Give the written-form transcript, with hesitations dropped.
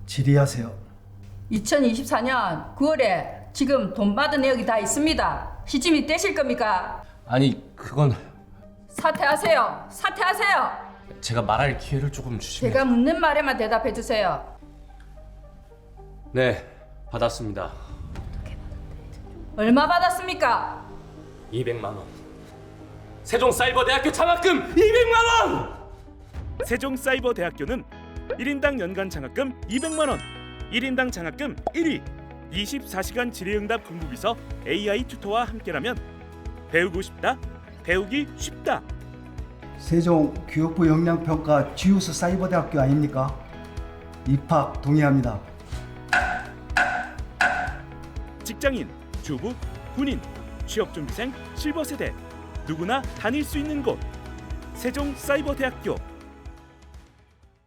질의하세요. 2024년 9월에 지금 돈 받은 내역이 다 있습니다. 시침이 떼실 겁니까? 아니 그건 사퇴하세요. 사퇴하세요. 제가 말할 기회를 조금 주시면. 제가 묻는 말에만 대답해 주세요. 네, 받았습니다. 얼마 받았습니까? 200만 원. 세종사이버대학교 장학금 200만 원. 세종사이버대학교는 1인당 연간 장학금 200만 원, 1인당 장학금 1위, 24시간 질의응답 공부비서 AI 튜터와 함께라면 배우고 싶다, 배우기 쉽다. 세종 교육부 역량평가 지우스 사이버대학교 아닙니까? 입학 동의합니다. 직장인, 주부, 군인, 취업준비생, 실버세대 누구나 다닐 수 있는 곳 세종사이버대학교.